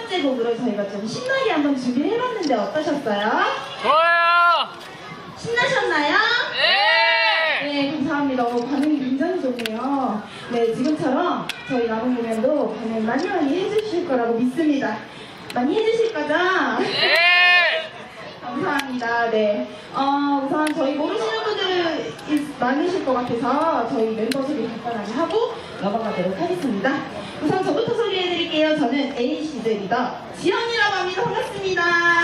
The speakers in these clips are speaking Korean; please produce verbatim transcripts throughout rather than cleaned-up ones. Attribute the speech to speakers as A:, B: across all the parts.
A: 번째 곡으로 저희가 좀 신나게 한번 준비를 해봤는데 어떠셨어요?
B: 좋아요!
A: 신나셨나요?
B: 네!
A: 네, 감사합니다. 어, 반응이 굉장히 좋네요. 네, 지금처럼 저희 남은 공연도 반응 많이 많이 해주실 거라고 믿습니다. 많이 해주실 거죠?
B: 네!
A: 감사합니다. 네. 어, 우선 저희 모르시는 분들은 있- 많으실 것 같아서 저희 멤버 소개 간단하게 하고 넘어가도록 하겠습니다. 우선 저부터 소개해드릴게요. 저는 에이시드 리더 지연이라고 합니다. 반갑습니다.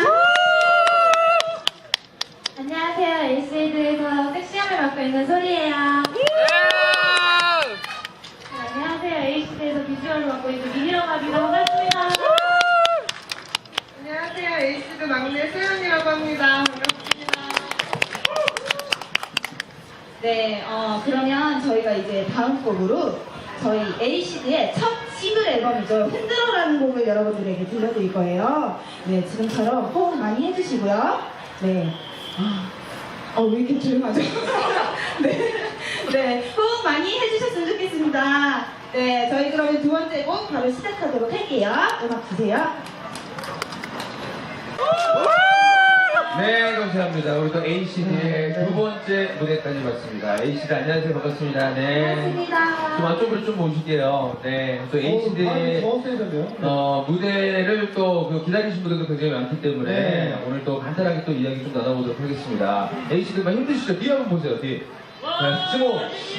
C: 안녕하세요. 에이시드에서 섹시함을 맡고 있는 소리예요.
B: 네!
C: 네, 안녕하세요. 에이시드에서 비주얼을 맡고 있는 미니라고 합니다. 반갑습니다.
D: 안녕하세요. 에이시드 막내 소연이라고 합니다. 반갑습니다.
A: 네, 어, 그러면 저희가 이제 다음 곡으로 저희 에이시드의 첫 싱글 앨범이죠. 흔들어라는 곡을 여러분들에게 들려드릴 거예요. 네, 지금처럼 호응 많이 해주시고요. 네. 아, 어, 왜 이렇게 조용하죠? 네. 네, 호응 많이 해주셨으면 좋겠습니다. 네, 저희 그러면 두 번째 곡 바로 시작하도록 할게요. 음악 주세요.
E: 네, 감사합니다. 우리 또 에이시드의 두 번째 무대까지 왔습니다. 에이시드 안녕하세요. 반갑습니다. 네.
A: 반갑습니다.
E: 좀 안쪽으로 좀 모실게요. 네. 또 에이시드의 어, 무대를 또 그 기다리신 분들도 굉장히 많기 때문에
F: 네.
E: 오늘 또 간단하게 또 이야기 좀 나눠보도록 하겠습니다. 에이시드 막 힘드시죠? 뒤에 한번 보세요. 뒤에. 네, 스모.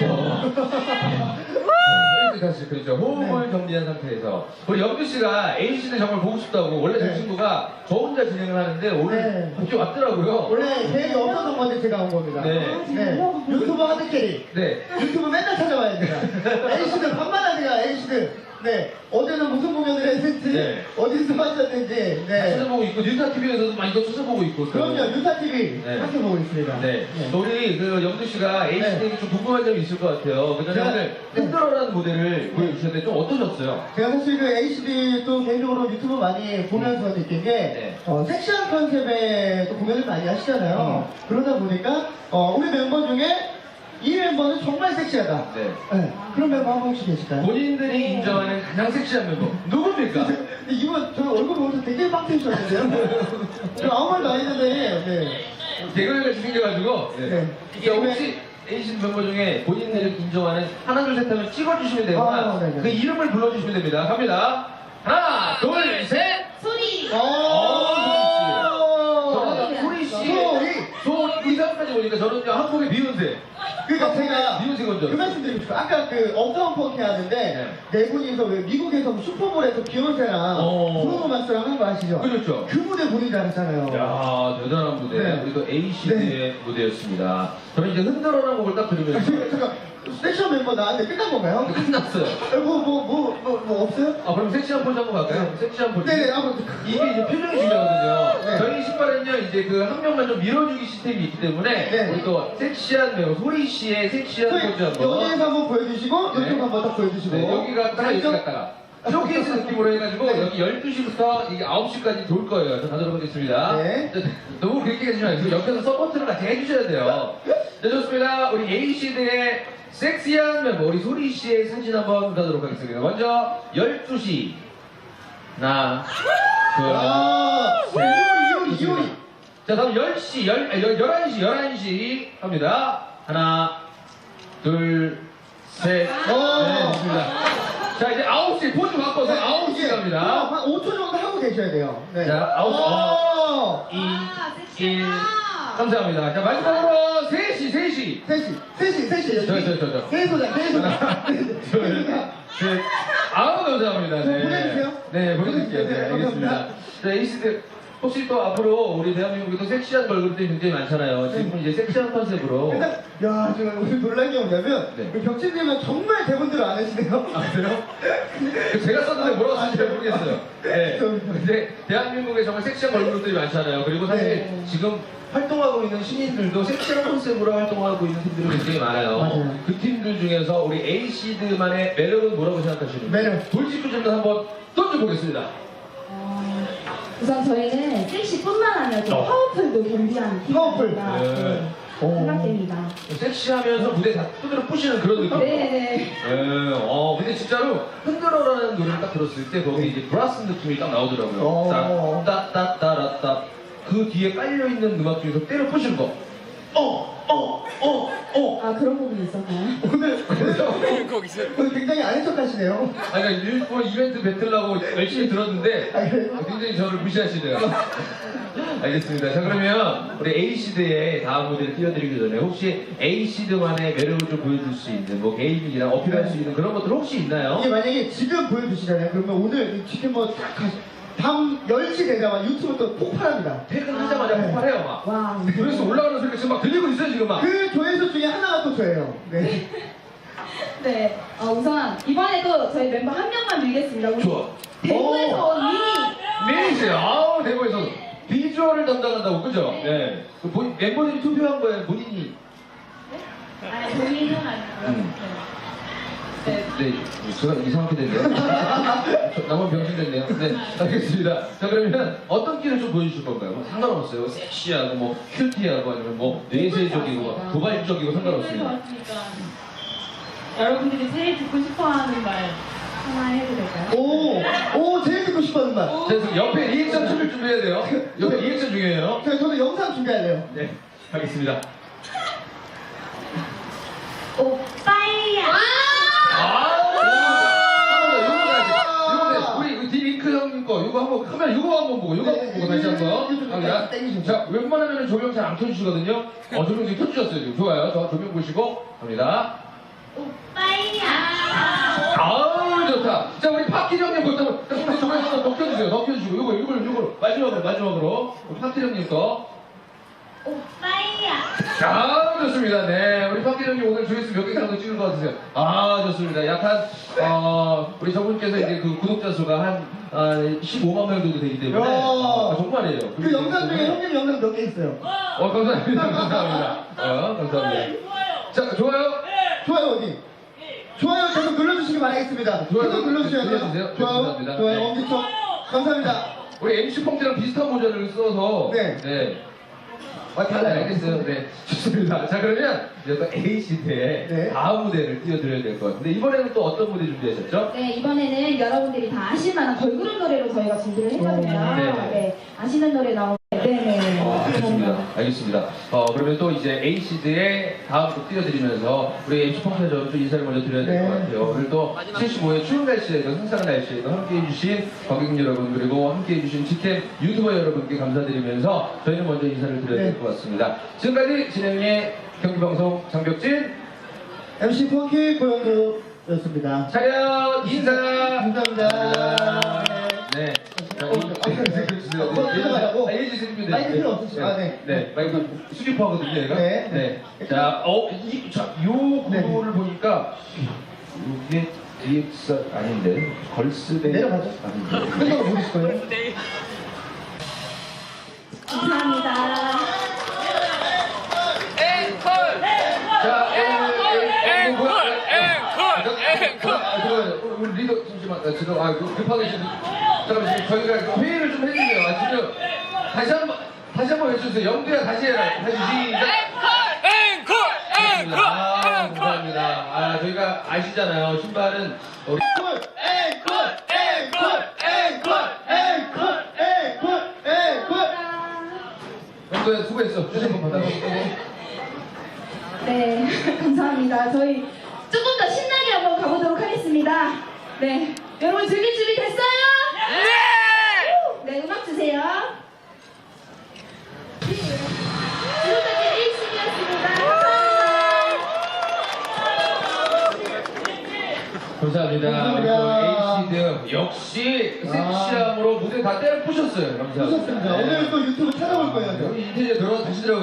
E: 다시 그렇죠. 호흡을 정리한 상태에서 우리 영규 씨가 에이시드 정말 보고 싶다고 원래 저
F: 네.
E: 친구가 저 혼자 진행을 하는데 오늘
F: 네.
E: 갑자기 왔더라고요.
F: 원래 계획이 없었던 건데 제가 온 겁니다.
E: 네.
F: 네. 유튜버 하드캐리.
E: 네.
F: 유튜브 맨날 찾아와야 돼요. 에이시드 반만한 제가 에이시드. 네. 어제는 무슨 공연을 했는지,
E: 네.
F: 어디서 하셨는지. 네.
E: 찾아보고 있고 뉴타티비에서도 많이 또 찾아보고 있고 또.
F: 그럼요. 유타티비
E: 네.
F: 함께 보고 있습니다.
E: 네. 또 우리 그 영두 씨가 에이시드에게 좀 궁금한 점이 있을 것 같아요. 그 전에
F: 제가-
E: 오늘 흔들어라는 무대를 보여주셨는데 좀 어떠셨어요?
F: 제가 사실 그 에이시디 또 개인적으로 유튜브 많이 보면서 느낀 게
E: 네.
F: 어, 섹시한 컨셉의 또 공연을 많이 하시잖아요. 그러다 보니까 어, 우리 멤버 중에 이 멤버는 정말 섹시하다.
E: 네.
F: 네. 그런 멤버 한 분 혹시 계실까요?
E: 본인들이 인정하는 가장 섹시한 멤버 누굽니까?
F: 근데 이분 저 얼굴 보면서 되게 빵 터지셨는데요? 저 아무 말도 안 했는데 네.
E: 개그맨같이 생겨가지고. 네.
F: 네.
E: 이게 혹시 에이시드 멤버 중에 본인들을 인정하는 하나 둘 셋 하면 찍어주시면 되거나
F: 아, 네네.
E: 그 이름을 불러주시면 됩니다. 갑니다. 하나 둘 셋.
A: 소리!
E: 저는 소리 씨,
F: 소리!
E: 소 의상까지 보니까 저는 그냥 한국의 비욘세.
F: 그러니까 제가
E: 비욘세 건죠.
F: 그 말씀 드리고 싶어요. 아까 그 업다운 펑키 하는데 네 분이서 왜 미국에서 슈퍼볼에서 비욘세랑
E: 어.
F: 브루노 마스랑 한 거 아시죠?
E: 그렇죠.
F: 그 무대 본인이 잘했잖아요.
E: 야 대단한 무대.
F: 네.
E: 우리 또 에이시드의 무대였습니다. 저는 이제 흔들어라는 곡을 딱 들으면서
F: 제가, 제가 섹션 멤버 나왔는데 끝난 건가요?
E: 끝났어요.
F: 뭐, 뭐, 뭐, 뭐, 뭐 없어요?
E: 아 그럼 섹시한 포즈 한번 갈까요? 섹시한 포즈.
F: 네네, 한번.
E: 이게 이제 표정이 중요하거든요.
F: 네.
E: 저희 신발은요 이제 그 한 명만 좀 밀어주기 시스템이 있기 때문에
F: 네.
E: 우리 또 섹시한 배우 소리 씨의 섹시한 포즈 한번.
F: 여기에서 한번 보여주시고,
E: 네.
F: 이쪽 한번 딱 보여주시고.
E: 네, 여기 갔다가 여기
F: 자,
E: 갔다가 쇼케이스 느낌으로 해가지고
F: 네.
E: 여기 열두 시부터 이게 아홉 시까지 돌 거예요. 그래서 가도록 하겠습니다.
F: 네.
E: 자, 너무 그렇게 하지 마시고 옆에서 서포트를 같이 해주셔야 돼요. 네, 좋습니다. 우리 에이시드의 섹시한 멤버 우리 소리 씨의 사진 한번 가도록 하겠습니다. 먼저 열두 시 하나
F: 아,
E: 둘 셋.
F: 이효리, 이효리, 이효리.
E: 자 다음 열 시, 열, 아, 열, 열한 시, 열한 시 갑니다. 하나, 둘, 셋.
F: 오.
E: 네, 좋습니다. 자 이제 아홉 시 포즈 바꿔서 아홉 시
F: 이게
E: 갑니다.
F: 한 오 초 정도 하고 계셔야 돼요. 네.
E: 자, 아홉 시. 어.
F: 오.
E: 이,
A: 아,
E: 일.
A: 섹시하다.
E: 감사합니다. 자 마지막으로 세 시, 세 시.
F: 셋이, 셋이, 셋이.
E: 저, 저, 저, 저.
F: 세소장, 세소장.
E: 둘, 셋. 아우 감사합니다.
F: 저 보내주세요.
E: 네, 보내드릴게요. 네,
F: 네,
E: 알겠습니다.
F: 감사합니다.
E: 자, 에이시드 혹시 또 앞으로 우리 대한민국에 또 섹시한 걸그룹들이 굉장히 많잖아요. 지금 이제 섹시한 컨셉으로.
F: 일단, 야, 제가 오늘 놀란 게 뭐냐면,
E: 네.
F: 우리 벽진님은 정말 대본대로 안 하시네요.
E: 아, 그래요? 제가 썼는데 뭐라고 쓰는지 잘 모르겠어요. 네. 근데 대한민국에 정말 섹시한 걸그룹들이 많잖아요. 그리고 사실
F: 네.
E: 지금 활동하고 있는 신인들도 섹시한 컨셉으로 활동하고 있는 팀들이 굉장히 많아요.
F: 맞아요.
E: 그 팀들 중에서 우리 에이시드만의 매력은 뭐라고 생각하시는지
F: 매력.
E: 돌직구 질문 한번 던져보겠습니다.
A: 어, 우선 저희는 섹시뿐만 아니라 좀
E: 어.
A: 파워풀도 겸비한
F: 파워풀.
A: 팀입니다.
E: 네.
F: 오.
A: 생각됩니다.
E: 섹시하면서 무대 다 두드려 부시는 그런 느낌.
A: 네네.
E: 예, 어, 근데 진짜로 흔들어라는 노래를 딱 들었을 때 거기 이제 브라스 느낌이 딱 나오더라고요.
F: 어.
E: 따따따라따. 그 뒤에 깔려 있는 음악 중에서 때려 부시는 거. 어, 어, 어, 어.
A: 아 그런 부분이 있었나요?
F: 오늘
B: 거기서.
F: 오늘 굉장히 아는 척 하시네요.
E: 아니, 그러니까 일본 이벤트 뱉으려고 열심히 들었는데
F: 아, 그래요?
E: 굉장히 저를 무시하시네요. 알겠습니다. 자, 그러면 우리 에이시드의 다음 무대를 띄워드리기 전에 혹시 에이시드만의 매력을 좀 보여줄 수 있는 뭐 개인기나 어필할 수 있는 그런 것들 혹시 있나요?
F: 이게 만약에 지금 보여주시잖아요. 그러면 오늘 지금 뭐딱 밤 열 시 되자마자 유튜브 또 폭발합니다.
E: 퇴근하자마자
F: 아,
E: 폭발해요, 막.
A: 와.
E: 그래서 올라가는 소리가 지금 막 들리고 있어요, 지금 막.
F: 그 조회수 중에 하나가 또 저예요. 네.
A: 네. 어, 우선 이번에도 저희 멤버 한 명만 밀겠습니다. 우리
E: 좋아.
A: 대구에서 온 미니.
E: 메이지, 아우, 대구에서 비주얼을 담당한다고, 그죠? 네. 그 본, 멤버들이 투표한 거예요, 본인이.
C: 아니, 본인은 아니고요.
E: 음.
C: 네.
E: 네, 제가 이상하게 됐네요. 저- 나만 병신 됐네요. 네, 알겠습니다. 자, 그러면 어떤 끼를 좀 보여주실 건가요? 뭐 상관없어요. 섹시하고, 뭐, 큐티하고, 아니면 뭐, 내세적이고, 뭐 도발적이고 상관없습니다.
C: 왔으니까. 여러분들이 제일 듣고 싶어하는 말 하나 해도 될까요?
F: 오, 오, 제일 듣고 싶어하는 말.
E: 자, 그래서 옆에 리액션 춤을 준비해야 돼요. 옆에 리액션 중요해요.
F: 저, 저도 영상 준비할래요.
E: 네, 하겠습니다.
C: 오빠야!
E: 아! 한번 더, 요거 가야지. 요거 우리, 우리 디링크 형님 거, 요거 한번, 카메라 요거 한번 보고, 요거 한번 보고, 다시 한 번. 갑니다. 자, 웬만하면 조명 잘 안 켜주시거든요. 어, 조명 지금 켜주셨어요, 지금. 좋아요. 저 조명 보시고, 갑니다.
C: 오빠야!
E: 아우, 좋다. 자, 우리 파키 형님 거부터, 우리 조명 하나 더 켜주세요. 더 켜주시고, 요거, 요걸, 요걸, 마지막으로, 마지막으로. 우리 파키 형님 거.
C: 오빠야!
E: 아, 좋습니다. 네. 우리 박기 형님 오늘 조회수 몇 개 정도 찍을 것 같으세요? 아, 좋습니다. 약간, 어, 우리 저분께서 이제 그 구독자 수가 한, 아, 십오만 명 정도 되기 때문에.
F: 야.
E: 아, 정말이에요.
F: 그 영상 중에 형님 영상 몇 개 있어요.
E: 어, 감사합니다. 감사합니다. 어, 감사합니다. 자, 좋아요?
F: 좋아요, 어디? 좋아요, 계속 눌러주시기 바라겠습니다.
E: 좋아요,
F: 계속 눌러주셔야
E: 눌러주세요.
F: 돼요.
E: 네,
F: 좋아요,
E: 감사합니다.
F: 좋아요,
E: 네.
F: 엄지척. 감사합니다.
E: 우리 엠씨 펑트랑 비슷한 모자를 써서.
F: 네.
E: 네.
F: 아,
E: 네,
F: 달라요.
E: 알겠어요. 네, 좋습니다. 자, 그러면 이제 또 A시대의
F: 네.
E: 다음 무대를 띄워드려야 될 것 같은데, 이번에는 또 어떤 무대 준비하셨죠?
A: 네, 이번에는 여러분들이 다 아실 만한 걸그룹 노래로 저희가 준비를 했거든요.
F: 오,
E: 네네.
A: 네, 아시는 노래 나오고. 네네.
E: 어, 알겠습니다. 알겠습니다. 어, 그러면 또 이제 에이시드의 다음 곡 띄워드리면서 우리 엠씨 펑크에서 또 인사를 먼저 드려야 될 것
F: 네.
E: 같아요. 오늘 또 칠십오 회 추운 날씨에도 상상한 날씨에도 함께해주신 관객 여러분 그리고 함께해주신 지캠 유튜버 여러분께 감사드리면서 저희는 먼저 인사를 드려야 될
F: 네.
E: 것 같습니다. 지금까지 진행의 경기방송 장벽진
F: 엠씨 펑키 고영도였습니다.
E: 차렷 인사
F: 감사합니다.
E: 네. 자,
F: 어, 아, 그래.
E: 해주세요.
F: 어, 들어가라고?
E: 아, 해주시면 돼요.
F: 마이크 필요 없으시죠? 아, 네.
E: 네. 마이크 수집하거든요, 얘가.
F: 네.
E: 자, 어, 이, 자, 요 구도를 보니까, 이게 디엑스 아닌데, 걸스데.
F: 내려가죠.
E: 아닌데.
F: 끝나고 보실 거예요?
A: 감사합니다.
E: 자,
B: 앵콜! 앵콜! 앵콜!
E: 아, 잠깐만요. 우리 리더, 잠시만. 아, 지금, 아, 그 급하게 지금. 잠깐만, 지금 저희가 회의를 좀 해주세요. 아, 지금. 다시 한 번, 다시 한 번 외쳐주세요. 영두야, 다시 해라. 다시 시작.
B: 앵콜! 앵콜!
E: 아,
B: 앵콜!
E: 감사합니다. 아, 저희가 아시잖아요. 신발은 우리
F: 앵콜! 앵콜! 앵콜! 앵콜! 앵콜! 앵콜!
E: 영도야 수고했어. 주신 거 받아.
A: 네, 감사합니다. 저희 조금 더 신나게 한번 가보도록 하겠습니다. 네, 여러분 즐길 준비 됐어요?
B: 네!
A: 네, 음악 주세요. 지금까지 에이씨디였습니다.
E: 감사합니다.
F: 감사합니다.
E: 에이시드 역시 섹시함으로 무대 다 때려 부셨어요. 감사합니다.
F: 좋습니다. 오늘 또 유튜브 찾아볼 거예요.
E: 여기 인테리어 들어가서 다시 들어가.